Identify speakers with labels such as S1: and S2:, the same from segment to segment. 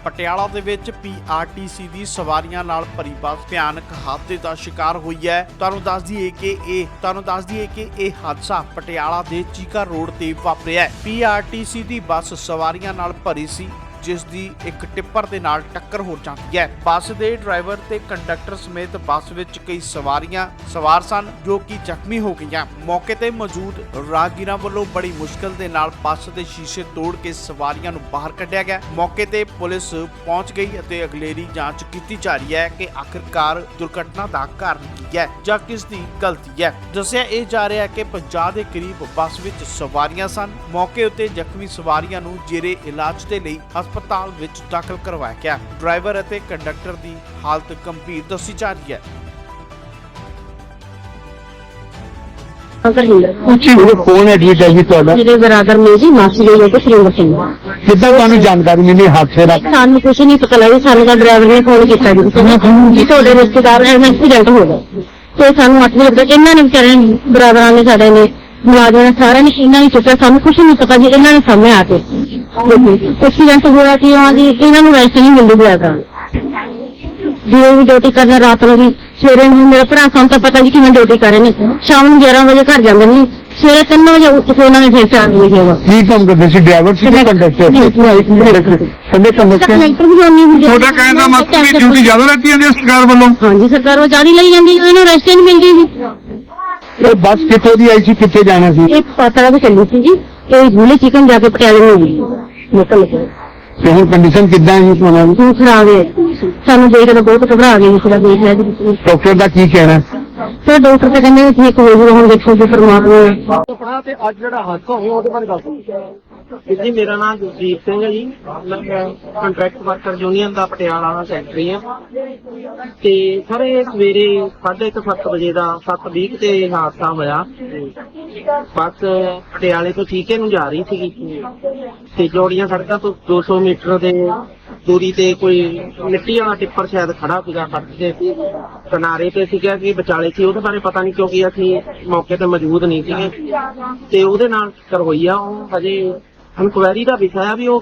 S1: ਪਟਿਆਲਾ ਦੇ ਵਿੱਚ ਪੀਆਰਟੀਸੀ ਦੀ ਸਵਾਰੀਆਂ ਨਾਲ ਭਰੀ ਬੱਸ ਭਿਆਨਕ ਹਾਦਸੇ ਦਾ ਸ਼ਿਕਾਰ ਹੋਈ ਹੈ। ਤੁਹਾਨੂੰ ਦੱਸ ਦਈਏ ਕਿ ਇਹ ਹਾਦਸਾ ਪਟਿਆਲਾ ਦੇ ਚੀਕਾ ਰੋਡ ਤੇ ਵਾਪਰਿਆ ਹੈ। ਪੀਆਰਟੀਸੀ ਦੀ ਬੱਸ ਸਵਾਰੀਆਂ ਨਾਲ ਭਰੀ ਸੀ, ਜਿਸ ਦੀ ਇੱਕ ਟਿੱਪਰ ਦੇ ਨਾਲ ਟੱਕਰ ਹੋ ਜਾਂਦੀ ਹੈ। ਬੱਸ ਦੇ ਡਰਾਈਵਰ ਤੇ ਕੰਡਕਟਰ ਸਮੇਤ ਬੱਸ ਵਿੱਚ ਕਈ ਸਵਾਰੀਆਂ ਸਵਾਰ ਸਨ, ਜੋ ਕਿ ਜ਼ਖਮੀ ਹੋ ਗਈਆਂ। ਮੌਕੇ ਤੇ ਮੌਜੂਦ ਰਾਹਗੀਰਾਂ ਵੱਲੋਂ ਬੜੀ ਮੁਸ਼ਕਲ ਦੇ ਨਾਲ ਬੱਸ ਦੇ ਸ਼ੀਸ਼ੇ ਤੋੜ ਕੇ ਸਵਾਰੀਆਂ ਨੂੰ ਬਾਹਰ ਕੱਢਿਆ ਗਿਆ। ਮੌਕੇ ਤੇ ਪੁਲਿਸ ਪਹੁੰਚ ਗਈ ਅਤੇ ਅਗਲੇਰੀ ਜਾਂਚ ਕੀਤੀ ਜਾ ਰਹੀ ਹੈ ਕਿ ਆਖਿਰਕਾਰ ਦੁਰਘਟਨਾ ਦਾ ਕਾਰਨ ਕੀ ਹੈ ਜਾਂ ਕਿਸ ਦੀ ਗਲਤੀ ਹੈ। ਦੱਸਿਆ ਇਹ ਜਾ ਰਿਹਾ ਹੈ ਕਿ 50 ਦੇ ਕਰੀਬ ਬੱਸ ਵਿੱਚ ਸਵਾਰੀਆਂ ਸਨ। ਮੌਕੇ ਉੱਤੇ ਜ਼ਖਮੀ ਸਵਾਰੀਆਂ ਨੂੰ ਜੇਰੇ ਇਲਾਜ ਦੇ ਲਈ ਹਸਪਤਾਲ ਵਿੱਚ ਦਾਖਲ ਕਰਵਾਇਆ ਗਿਆ। ਡਰਾਈਵਰ ਅਤੇ ਕੰਡਕਟਰ ਦੀ ਹਾਲਤ ਗੰਭੀਰ ਦੱਸੀ ਜਾ ਰਹੀ ਹੈ।
S2: कौन एडमिट है जी ਤੁਹਾਡਾ?
S3: मेरे बराबर में जी मासी गई है सुरेंद्र सिंह।
S2: ਕਿੱਦਾਂ ਤੁਹਾਨੂੰ ਜਾਣਕਾਰੀ ਮਿਲੀ ਹਾਦਸੇ ਦਾ?
S3: ਸਾਨੂੰ ਕੁਛ ਨਹੀਂ ਪਤਾ ਲੱਗਾ। ਸਾਨੂੰ ਦਾ ਡਰਾਈਵਰ ਨੇ ਫੋਨ ਕੀਤਾ ਜੀ ਤੁਹਾਡੇ ਰਿਸ਼ਤੇਦਾਰ ਦਾ ਐਕਸੀਡੈਂਟ ਹੋ ਗਿਆ ਤੇ ਸਾਨੂੰ 8 ਵਜੇ ਤੱਕ ਇਹਨਾਂ ਨੇ ਵਿਚਾਰੇ ਬਰਾਬਰਾਂ ਨੇ ਸਾਡੇ ਨੇ ਮੁਲਾਜ਼ਮਾਂ ਨੇ ਸਾਰਿਆਂ ਨੇ ਇਹਨਾਂ ਨੇ ਚੁੱਕਿਆ। ਸਾਨੂੰ ਕੁਛ ਨਹੀਂ ਪਤਾ ਜੀ। ਇਹਨਾਂ ਨੇ ਸਾਹਮਣੇ ਆ ਕੇ ਐਕਸੀਡੈਂਟ ਹੋਇਆ ਕਿ ਇਹਨਾਂ ਨੂੰ ਵੈਸੇ ਨਹੀਂ ਮਿਲਦੀ ਬਰਾਬਰਾਂ ਜਿਵੇਂ ਵੀ ਡਿਊਟੀ ਕਰਨਾ ਰਾਤ ਨੂੰ ਵੀ ਸਵੇਰੇ ਨੂੰ ਮੇਰਾ ਭਰਾ ਸਾਨੂੰ ਤਾਂ ਪਤਾ ਜੀ ਕਿਵੇਂ ਡਿਊਟੀ ਕਰ ਰਹੇ ਨੇ। ਸ਼ਾਮ ਨੂੰ 11 ਵਜੇ ਘਰ ਜਾਂਦੇ ਨੇ, ਸਵੇਰੇ 3 ਵਜੇ ਉੱਠ ਕੇ ਉਹਨਾਂ ਨੇ ਫਿਰ 4 ਵਜੇ ਹੋਗਾ।
S2: ਕੀ ਕੰਮ ਕਰਦੇ ਸੀ? ਡਰਾਈਵਰ ਸੀ ਜਾਂ ਕੰਡਕਟਰ? Sunday conductor. ਤੁਹਾਡਾ ਕਹਿਣ ਦਾ ਮਤਲਬ ਵੀ ਡਿਊਟੀ ਜ਼ਿਆਦਾ ਲੈਤੀ ਜਾਂਦੀ ਹੈ ਸਰਕਾਰ ਵੱਲੋਂ?
S3: ਹਾਂਜੀ, ਸਰਕਾਰ ਉਹ ਜਾਰੀ ਲਈ ਜਾਂਦੀ, ਇਹਨੂੰ ਰੈਸਟ ਨਹੀਂ ਮਿਲਦੀ ਜੀ।
S2: ਇਹ ਬੱਸ ਕਿੱਥੋਂ ਦੀ ਆਈ ਸੀ, ਕਿੱਥੇ ਜਾਣਾ ਸੀ?
S3: ਇਹ ਪਤਾ ਵੀ ਚੱਲੀ ਸੀ ਜੀ, ਇਹ ਬੁਲੇ ਚਿਕਨ ਜਾ ਕੇ ਪਟਿਆਲੇ ਨੂੰ ਗਈ ਨਿਕਲ ਕੇ।
S2: ਤੇ ਹੁਣ ਕੰਡੀਸ਼ਨ ਕਿੱਦਾਂ ਹੈ ਜੀ ਤੁਹਾਨੂੰ?
S3: ਹੁਣ ਖਰਾਬ ਹੈ, ਸਾਨੂੰ ਦੇਖ ਕੇ ਬਹੁਤ ਘਬਰਾ ਗਏ। ਇਸ ਦਾ ਦੇਖ ਲਿਆ ਜੀ।
S2: ਡਾਕਟਰ ਦਾ ਕੀ ਕਹਿਣਾ?
S3: ਤੇ ਡਾਕਟਰ ਤਾਂ ਕਹਿੰਦੇ ਠੀਕ ਹੋ ਜੂਗਾ, ਹੁਣ ਦੇਖੋ ਜੀ ਪਰਮਾਤਮਾ।
S4: ਆਪਣਾ ਤੇ ਅੱਜ ਜਿਹੜਾ ਹਾਦਸਾ ਹੋਇਆ ਉਹਦੇ ਬਾਰੇ ਦੱਸੋ ਜੀ। ਮੇਰਾ ਨਾਮ ਜਗਦੀਪ ਸਿੰਘ ਹੈ ਜੀ, ਮੈਂ ਕੰਟਰੈਕਟ ਵਰਕਰ ਯੂਨੀਅਨ ਦਾ ਪਟਿਆਲਾ ਦਾ ਸੈਕਟਰੀ ਹਾਂ। ਤੇ ਸਰ ਇਹ ਸਵੇਰੇ 7:30 ਵਜੇ ਦਾ 7:20 ਤੇ ਹਾਦਸਾ ਹੋਇਆ। ਬੱਸ ਪਟਿਆਲੇ ਤੋਂ ਚੀਕੇ ਨੂੰ ਜਾ ਰਹੀ ਸੀਗੀ ਤੇ ਜੋੜੀਆਂ ਸੜਕਾਂ ਤੋਂ 200 ਮੀਟਰ ਦੇ ਦੂਰੀ ਤੇ ਕੋਈ ਮਿੱਟੀ ਵਾਲਾ ਟਿੱਪਰ ਸ਼ਾਇਦ ਖੜਾ ਸੀਗਾ ਸੜਕ ਦੇ ਕਿਨਾਰੇ ਤੇ ਸੀਗਾ ਕਿ ਵਿਚਾਲੇ ਸੀ। ਉਹਦੇ ਬਾਰੇ ਪਤਾ ਨਹੀਂ ਕਿਉਂਕਿ ਅਸੀਂ ਮੌਕੇ ਤੇ ਮੌਜੂਦ ਨਹੀਂ ਸੀਗੇ ਤੇ ਉਹਦੇ ਨਾਲ ਟੱਕਰ ਹੋਈ ਆ। ਉਹ ਹਜੇ ਇਨਕੁਆਇਰੀ ਦਾ ਵਿਸ਼ਾ ਆ ਵੀ ਉਹ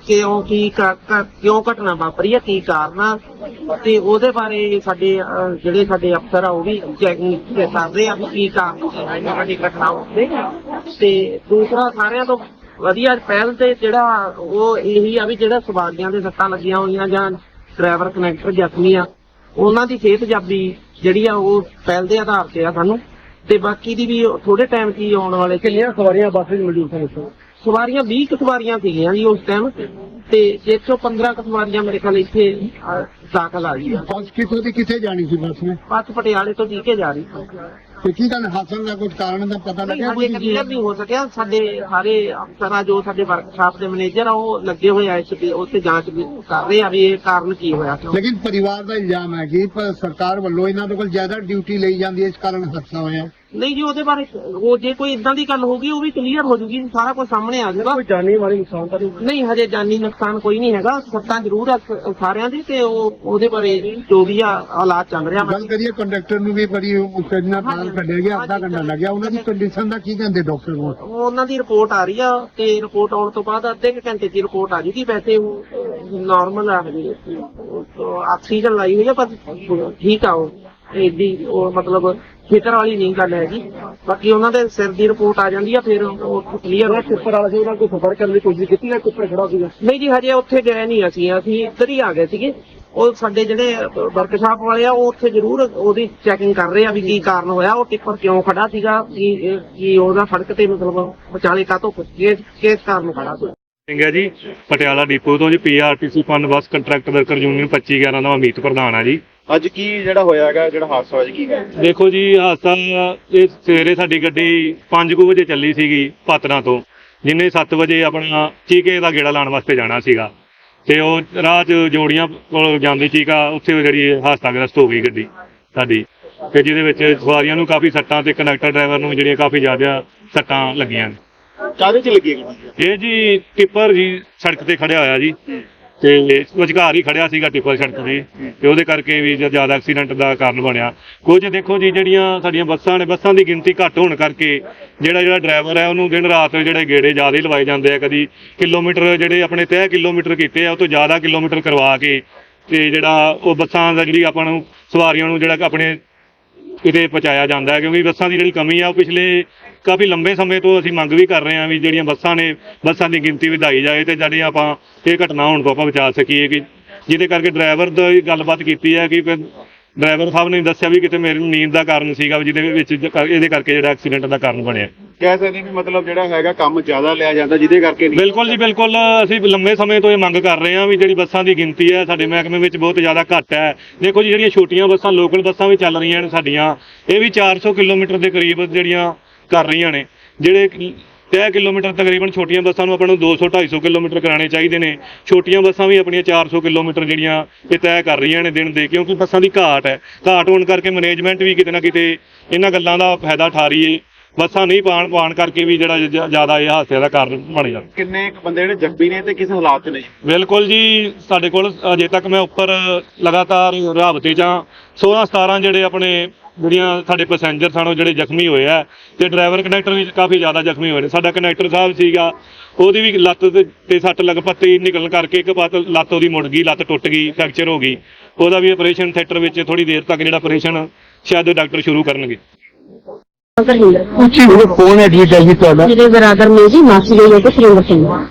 S4: ਕਿਉਂ ਘਟਨਾ ਵਾਪਰੀ ਆ, ਕੀ ਕਾਰਨ ਆ, ਤੇ ਉਹਦੇ ਬਾਰੇ ਜਿਹੜੇ ਸਾਡੇ ਅਫਸਰ ਆ ਉਹ ਵੀ ਚੈਕਿੰਗ ਕਰ ਰਹੇ ਆ ਵੀ ਕੀ ਕਾਰਨ ਸਾਡੀ ਘਟਨਾ ਹੋਵੇ। ਤੇ ਦੂਸਰਾ ਸਾਰਿਆਂ ਤੋਂ ਵਧੀਆ ਪਹਿਲ ਤੇ ਜਿਹੜਾ ਉਹ ਇਹੀ ਆ ਵੀ ਜਿਹੜਾ ਸਵਾਰੀਆਂ ਦੇ ਸੱਟਾਂ ਲੱਗੀਆਂ ਹੋਈਆਂ ਜਾਂ ਡਰਾਈਵਰ ਕਨੈਕਟਰ ਜ਼ਖਮੀ ਆ, ਉਹਨਾਂ ਦੀ ਸਿਹਤ ਜਾਬੀ ਜਿਹੜੀ ਆ ਉਹ ਪਹਿਲ ਦੇ ਆਧਾਰ ਤੇ ਆ ਸਾਨੂੰ। ਤੇ ਬਾਕੀ ਦੀ ਵੀ ਥੋੜੇ ਟਾਈਮ ਚ ਆਉਣ ਵਾਲੇ।
S2: ਕਿੰਨੀਆਂ ਸਵਾਰੀਆਂ ਬੱਸ ਵਿੱਚ ਮੌਜੂਦ ਸਨ?
S4: ਸਵਾਰੀਆਂ 20 ਕੁ ਸਵਾਰੀਆਂ ਸੀਗੀਆਂ ਜੀ ਉਸ ਟਾਈਮ, ਤੇ 115 ਕੁ ਸਵਾਰੀਆਂ ਮੇਰੇ ਖਿਆਲ ਇੱਥੇ ਦਾਖਲ ਆ ਗਈਆਂ।
S2: ਬੱਸ ਕਿੱਥੋਂ ਦੀ ਕਿੱਥੇ ਜਾਣੀ ਸੀ ਬੱਸ ਨੇ?
S4: ਬੱਸ ਪਟਿਆਲੇ ਤੋਂ ਚੀਕੇ ਜਾ ਰਹੀ ਸੀ।
S2: ਤੇ ਕੀ ਗੱਲ ਹਾਦਸੇ ਦਾ ਕੁਝ ਕਾਰਨ ਦਾ ਪਤਾ ਲੱਗਿਆ?
S4: ਹਜੇ ਕਲੀਅਰ ਨਹੀਂ ਹੋ ਸਕਿਆ। ਸਾਡੇ ਸਾਰੇ ਅਫਸਰ ਆ ਜੋ ਸਾਡੇ ਵਰਕਸ਼ਾਪ ਦੇ ਮੈਨੇਜਰ ਆ ਉਹ ਲੱਗੇ ਹੋਏ ਆ ਉੱਥੇ ਜਾਂਚ ਕਰ ਰਹੇ ਆ ਵੀ ਇਹ ਕਾਰਨ ਕੀ ਹੋਇਆ।
S2: ਲੇਕਿਨ ਪਰਿਵਾਰ ਦਾ ਇਲਜ਼ਾਮ ਹੈ ਕਿ ਸਰਕਾਰ ਵੱਲੋਂ ਇਹਨਾਂ ਦੇ ਕੋਲ ਜ਼ਿਆਦਾ ਡਿਊਟੀ ਲਈ ਜਾਂਦੀ ਹੈ, ਇਸ ਕਾਰਨ ਹਾਦਸਾ ਹੋਇਆ।
S4: ਨਹੀਂ ਜੀ, ਉਹਦੇ ਬਾਰੇ ਉਹ ਜੇ ਕੋਈ ਇਦਾਂ ਦੀ ਗੱਲ ਹੋਗੀ ਉਹ ਵੀ ਕਲੀਅਰ ਹੋ ਜੂਗੀ, ਸਾਰਾ ਕੁਝ ਸਾਹਮਣੇ ਆ ਜਾਏਗਾ।
S2: ਕੋਈ ਜਾਨੀ ਮਾਲੀ ਨੁਕਸਾਨ ਤਾਂ
S4: ਨਹੀਂ, ਹਜੇ ਜਾਨੀ ਨੁਕਸਾਨ ਕੋਈ ਨਹੀਂ ਹੈਗਾ। ਸੱਟਾਂ ਜ਼ਰੂਰ ਆ ਸਾਰਿਆਂ ਦੀ ਤੇ ਉਹਦੇ ਬਾਰੇ ਜੋ ਵੀ ਆ ਹਾਲਾਤ ਚੱਲ ਰਿਹਾ।
S2: ਗੱਲ ਕਰੀਏ ਕੰਡਕਟਰ ਨੂੰ ਵੀ ਬੜੀ ਮੁਸ਼ਕਲ ਨਾਲ ਕੱਢਿਆ ਗਿਆ, ਅੱਧਾ ਘੰਟਾ ਲੱਗਿਆ। ਉਹਨਾਂ ਦੀ ਕੰਡੀਸ਼ਨ ਦਾ ਕੀ ਕਹਿੰਦੇ ਡਾਕਟਰ ਕੋਲ?
S4: ਉਹਨਾਂ ਦੀ ਰਿਪੋਰਟ ਆ ਰਹੀ ਆ ਤੇ ਰਿਪੋਰਟ ਆਉਣ ਤੋਂ ਬਾਅਦ ਅੱਧੇ ਕੁ ਘੰਟੇ ਦੀ ਰਿਪੋਰਟ ਆ ਜੂਗੀ। ਵੈਸੇ ਉਹ ਨਾਰਮਲ ਆ, ਹਜੇ ਆਕਸੀਜਨ ਲਾਈ ਹੋਈ ਆ, ਪਰ ਠੀਕ ਆ। ਉਹ ਉਹ ਮਤਲਬ ਫਿਕਰ ਵਾਲੀ ਨਹੀਂ ਗੱਲ ਹੈਗੀ। ਬਾਕੀ ਉਹਨਾਂ ਦੇ ਸਿਰ ਦੀ ਰਿਪੋਰਟ ਆ ਜਾਂਦੀ ਆ, ਫਿਰ ਉਹ ਕਲੀਅਰ।
S2: ਉੱਪਰ ਵਾਲਾ ਸੀ, ਉਹਨਾਂ ਕੋਈ ਸਫਰ ਕਰਨ ਦੀ ਕੋਸ਼ਿਸ਼ ਕੀਤੀ ਨਾ? ਉੱਪਰ ਖੜਾ ਸੀਗਾ?
S4: ਨਹੀਂ ਜੀ, ਹਜੇ ਉੱਥੇ ਗਏ ਨਹੀਂ ਅਸੀਂ ਇੱਧਰ ਹੀ ਆ ਗਏ ਸੀਗੇ। ਉਹ ਸਾਡੇ ਜਿਹੜੇ ਵਰਕਸ਼ਾਪ ਵਾਲੇ ਆ ਉਹ ਉੱਥੇ ਜ਼ਰੂਰ ਉਹਦੀ ਚੈਕਿੰਗ ਕਰ ਰਹੇ ਆ ਵੀ ਕੀ ਕਾਰਨ ਹੋਇਆ, ਉਹ ਟਿੱਪਰ ਕਿਉਂ ਖੜਾ ਸੀਗਾ, ਕੀ ਉਹਦਾ ਸੜਕ ਤੇ ਮਤਲਬ ਵਿਚਾਲੇ ਕਾਹਤੋਂ ਕਿਸ ਕਾਰਨ ਖੜਾ ਸੀ।
S5: ਸਿੰਘ ਹੈ ਜੀ, ਪਟਿਆਲਾ ਡਿਪੂ ਤੋਂ ਜੀ। PRTC fund bus contract worker union 2511 ਦਾ ਅਮੀਤ ਪ੍ਰਧਾਨ ਆ ਜੀ।
S6: ਅੱਜ ਕੀ ਜਿਹੜਾ ਹੋਇਆ ਹੈਗਾ, ਜਿਹੜਾ ਹਾਦਸਾ ਹੋਇਆ ਜੀ, ਕੀ ਹੈ?
S5: ਦੇਖੋ ਜੀ, ਹਾਦਸਾ ਇਹ ਸਵੇਰੇ ਸਾਡੀ ਗੱਡੀ 5 ਵਜੇ ਚੱਲੀ ਸੀਗੀ ਪਾਤੜਾਂ ਤੋਂ, ਜਿਹਨੇ 7 ਵਜੇ ਆਪਣਾ ਚੀਕੇ ਦਾ ਗੇੜਾ ਲਾਉਣ ਵਾਸਤੇ ਜਾਣਾ ਸੀਗਾ। ਤੇ ਉਹ ਰਾਹ 'ਚ ਜੋੜੀਆਂ ਕੋਲ ਜਾਂਦੀ ਚੀਕਾ, ਉੱਥੇ ਜਿਹੜੀ ਹਾਦਸਾਗ੍ਰਸਤ ਹੋ ਗਈ ਗੱਡੀ ਸਾਡੀ, ਤੇ ਜਿਹਦੇ ਵਿੱਚ ਸਵਾਰੀਆਂ ਨੂੰ ਕਾਫੀ ਸੱਟਾਂ ਤੇ ਕੰਡਕਟਰ ਡਰਾਈਵਰ ਨੂੰ ਜਿਹੜੀਆਂ ਕਾਫੀ ਜ਼ਿਆਦਾ ਸੱਟਾਂ ਲੱਗੀਆਂ।
S6: ਕਾਹਦੇ 'ਚ ਲੱਗੀ ਹੈ?
S5: ਇਹ ਜੀ ਟਿੱਪਰ ਜੀ ਸੜਕ ਤੇ ਖੜਿਆ ਹੋਇਆ ਜੀ, ਤੇ ਵਿਚਕਾਰ ਹੀ ਖੜਿਆ ਸੀਗਾ ਟਿੱਪਰ ਸੜਕ ਦੀ, ਤੇ ਉਹਦੇ ਕਰਕੇ ਵੀ ਜ਼ਿਆਦਾ ਐਕਸੀਡੈਂਟ ਦਾ ਕਾਰਨ ਬਣਿਆ। ਕੁਝ ਦੇਖੋ ਜੀ, ਜਿਹੜੀਆਂ ਸਾਡੀਆਂ ਬੱਸਾਂ ਨੇ, ਬੱਸਾਂ ਦੀ ਗਿਣਤੀ ਘੱਟ ਹੋਣ ਕਰਕੇ ਜਿਹੜਾ ਡਰਾਈਵਰ ਹੈ ਉਹਨੂੰ ਦਿਨ ਰਾਤ ਜਿਹੜੇ ਗੇੜੇ ਜ਼ਿਆਦਾ ਹੀ ਲਵਾਏ ਜਾਂਦੇ ਆ। ਕਦੀ ਕਿਲੋਮੀਟਰ ਜਿਹੜੇ ਆਪਣੇ ਤੈਅ ਕਿਲੋਮੀਟਰ ਕੀਤੇ ਆ ਉਹ ਤੋਂ ਜ਼ਿਆਦਾ ਕਿਲੋਮੀਟਰ ਕਰਵਾ ਕੇ ਤੇ ਜਿਹੜਾ ਉਹ ਬੱਸਾਂ ਦਾ ਜਿਹੜੀ ਆਪਾਂ ਨੂੰ ਸਵਾਰੀਆਂ ਨੂੰ ਜਿਹੜਾ ਆਪਣੇ ਕਿਤੇ ਪਹੁੰਚਾਇਆ ਜਾਂਦਾ ਹੈ, ਕਿਉਂਕਿ ਬੱਸਾਂ ਦੀ ਜਿਹੜੀ ਕਮੀ ਆ ਉਹ ਪਿਛਲੇ ਕਾਫੀ ਲੰਬੇ ਸਮੇਂ ਤੋਂ ਅਸੀਂ ਮੰਗ ਵੀ ਕਰ ਰਹੇ ਹਾਂ ਵੀ ਜਿਹੜੀਆਂ ਬੱਸਾਂ ਨੇ, ਬੱਸਾਂ ਦੀ ਗਿਣਤੀ ਵਧਾਈ ਜਾਏ ਤੇ ਜਿਹੜੀ ਆਪਾਂ ਇਹ ਘਟਨਾ ਹੋਣ ਤੋਂ ਆਪਾਂ ਬਚਾ ਸਕੀਏ। ਕਿ ਜਿਹਦੇ ਕਰਕੇ ਡਰਾਈਵਰ ਦੀ ਗੱਲਬਾਤ ਕੀਤੀ ਹੈ ਕਿ ਡਰਾਈਵਰ ਸਾਹਿਬ ਨੇ ਦੱਸਿਆ ਵੀ ਕਿਤੇ ਮੇਰੀ ਨੀਂਦ ਦਾ ਕਾਰਨ ਸੀਗਾ, ਜਿਹਦੇ ਵਿੱਚ ਇਹਦੇ ਕਰਕੇ ਜਿਹੜਾ ਐਕਸੀਡੈਂਟ ਦਾ ਕਾਰਨ ਬਣਿਆ।
S6: ਕਹਿ ਸਕਦੇ ਵੀ ਮਤਲਬ ਜਿਹੜਾ ਹੈਗਾ ਕੰਮ ਜ਼ਿਆਦਾ ਲਿਆ ਜਾਂਦਾ ਜਿਹਦੇ ਕਰਕੇ ਨਹੀਂ।
S5: ਬਿਲਕੁਲ ਜੀ, ਬਿਲਕੁਲ। ਅਸੀਂ ਲੰਮੇ ਸਮੇਂ ਤੋਂ ਇਹ ਮੰਗ ਕਰ ਰਹੇ ਹਾਂ ਵੀ ਜਿਹੜੀ ਬੱਸਾਂ ਦੀ ਗਿਣਤੀ ਹੈ ਸਾਡੇ ਮਹਿਕਮੇ ਵਿੱਚ ਬਹੁਤ ਜ਼ਿਆਦਾ ਘੱਟ ਹੈ। ਦੇਖੋ ਜੀ, ਜਿਹੜੀਆਂ ਛੋਟੀਆਂ ਬੱਸਾਂ, ਲੋਕਲ ਬੱਸਾਂ ਵੀ ਚੱਲ ਰਹੀਆਂ ਨੇ ਸਾਡੀਆਂ, ਇਹ ਵੀ 400 ਕਿਲੋਮੀਟਰ ਦੇ ਕਰੀਬ ਜਿਹੜੀਆਂ ਕਰ ਰਹੀਆਂ ਨੇ। ਜਿਹੜੇ ਤੈਅ ਕਿਲੋਮੀਟਰ ਤਕਰੀਬਨ ਛੋਟੀਆਂ ਬੱਸਾਂ ਨੂੰ ਆਪਾਂ ਨੂੰ 200-250 ਕਿਲੋਮੀਟਰ ਕਰਾਉਣੇ ਚਾਹੀਦੇ ਨੇ, ਛੋਟੀਆਂ ਬੱਸਾਂ ਵੀ ਆਪਣੀਆਂ 400 ਕਿਲੋਮੀਟਰ ਜਿਹੜੀਆਂ ਇਹ ਤੈਅ ਕਰ ਰਹੀਆਂ ਨੇ ਦਿਨ ਦੇ, ਕਿਉਂਕਿ ਬੱਸਾਂ ਦੀ ਘਾਟ ਹੈ। ਘਾਟ ਹੋਣ ਕਰਕੇ ਮੈਨੇਜਮੈਂਟ ਵੀ ਕਿਤੇ ਨਾ ਕਿਤੇ ਇਹਨਾਂ ਗੱਲਾਂ ਦਾ ਫਾਇਦਾ ਉਠਾ ਰਹੀ ਹੈ। ਬੱਸਾਂ ਨਹੀਂ ਪਾਉਣ ਕਰਕੇ ਵੀ ਜਿਹੜਾ ਜ਼ਿਆਦਾ ਇਹ ਹਾਦਸੇ ਦਾ ਕਾਰਨ ਬਣ ਜਾਂਦਾ।
S6: ਕਿੰਨੇ ਬੰਦੇ ਜਿਹੜੇ ਜ਼ਖਮੀ ਨੇ ਤੇ ਕਿਸ ਹਾਲਾਤ 'ਚ ਨੇ?
S5: ਬਿਲਕੁਲ ਜੀ, ਸਾਡੇ ਕੋਲ ਅਜੇ ਤੱਕ ਮੈਂ ਉੱਪਰ ਲਗਾਤਾਰ ਰਾਬਤੇ 'ਚ 16-17 ਜਿਹੜੇ ਆਪਣੇ ਜਿਹੜੀਆਂ ਸਾਡੇ ਪੈਸੇਂਜਰ ਸਨ ਉਹ ਜਿਹੜੇ ਜ਼ਖਮੀ ਹੋਏ ਆ, ਤੇ ਡਰਾਈਵਰ ਕੰਡਕਟਰ ਵੀ ਕਾਫੀ ਜ਼ਿਆਦਾ ਜ਼ਖਮੀ ਹੋਏ ਨੇ। ਸਾਡਾ ਕੰਡਕਟਰ ਸਾਹਿਬ ਸੀਗਾ, ਉਹਦੀ ਵੀ ਲੱਤ ਤੇ ਸੱਟ ਲੱਗ ਪੱਤੀ ਨਿਕਲਣ ਕਰਕੇ ਇੱਕ ਪਾਸੇ ਲੱਤ ਉਹਦੀ ਮੁੜ ਗਈ, ਲੱਤ ਟੁੱਟ ਗਈ, ਫ੍ਰੈਕਚਰ ਹੋ ਗਈ। ਉਹਦਾ ਵੀ ਆਪਰੇਸ਼ਨ ਥੀਏਟਰ ਵਿੱਚ ਥੋੜੀ ਦੇਰ ਤੱਕ ਜਿਹੜਾ ਆਪਰੇਸ਼ਨ ਸ਼ਾਇਦ ਡਾਕਟਰ ਸ਼ੁਰੂ ਕਰਨਗੇ।
S3: ਸੁਰਿੰਦਰ
S2: ਕੌਣ ਐਡਮਿਟ ਹੈ ਜੀ ਤੁਹਾਡਾ?
S3: ਮੇਰੇ ਬਰਾਦਰ ਨੇ ਜੀ, ਮਾਸੀ ਦੇ ਲੋਕ ਸੁਰਿੰਦਰ ਸਿੰਘ।